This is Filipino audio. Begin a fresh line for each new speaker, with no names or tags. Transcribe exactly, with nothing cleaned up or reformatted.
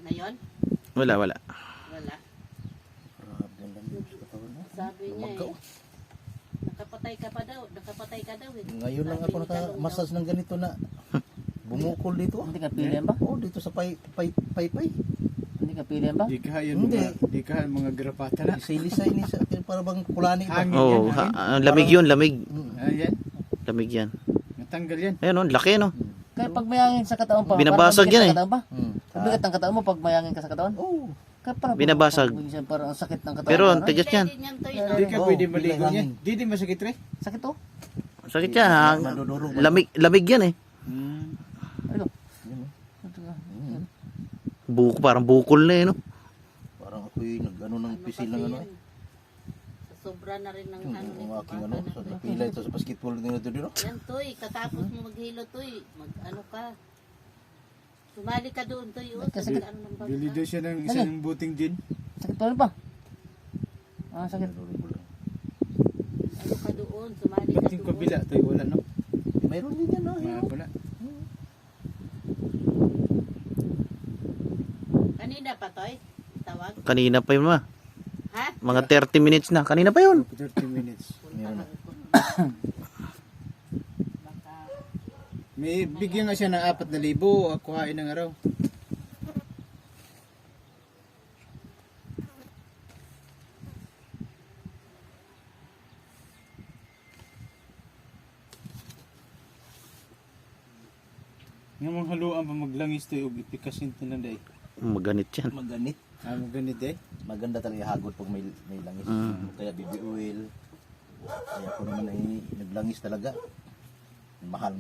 Ngayon?
Wala, wala.
Wala.
Grabe lang yun sa katawan mo.
Sabi niya
Lumagaw.
eh. Nakapatay ka pa daw. Nakapatay ka daw eh.
Ngayon lang
Sabi
ako
ni Talong
naka-massage ng ganito na bumukol dito.
Hindi ka pilihan ba?
Oo, dito sa pay pay pay pay.
Hindi ka pilihan ba?
Di ka yun
Hindi.
mga, di ka mga grapata na.
Lisay-lisay ni sa para bang kulani ba?
Hangin
Oo,
yan,
ha,
hangin.
ah, lamig yun, lamig.
Mm.
Ayan,
Lamig yan.
natanggal yan.
Ayun, oh, laki, no?
Kaya pag mayangin sa katawan pa,
Binabasag
parang
yan eh.
mabigat ang katawan pa.
Mm.
Mabigat ang katawan mo pag mayangin ka sa katawan.
Oo.
Kaya parang
Binabasag.
minsan parang ang sakit ng katawan.
Pero,
ano?
tigas yan.
Pwede niyan to
Yeah.
Di ka
Oo,
pwede maligo
bilang
yan.
hangin.
Di di masakit re.
Sakit to.
Sakit yan, ha?
Madudurog.
Lamig, lamig yan eh.
Hmm.
Ano?
Yun, oh. Mm.
Buko, parang bukol na eh, no?
Parang ako'y nag-ano ng pisil ng ano eh.
Sa sobra na rin ng
Yung
ano
ang
nito.
aking
baka
ano,
na
sa
to eh.
napila ito sa basketball nila ito dito.
Yan toy, katapos mo maghilo toy, mag ano ka. Sumali ka doon toy, oh.
Kasi-
Kasi ano ng
Bili
bangka.
daw siya ng isang buting gin.
Sakit pa rin pa. Ah, sakit.
Ano ka doon, sumali ka
Buting
doon.
kabila, tayo wala no.
Mayroon din yan, no?
Mga pala.
Kanina pa toy, tawag.
Kanina pa yun, ma.
Ha?
Mga thirty minutes na. Kanina pa yun.
thirty minutes.
Meron na.
Baka,
May bigyan nga siya ng apat na libo. Ako hain ng araw. Nga mga haluan pa maglangis to yung ipikasin lang day.
Maganit yan.
Maganit.
Ah, maganit eh.
Maganda talaga hagod pag may, may langis.
Mm.
Kaya baby oil. Kaya ako naman ay naglangis talaga. Mahal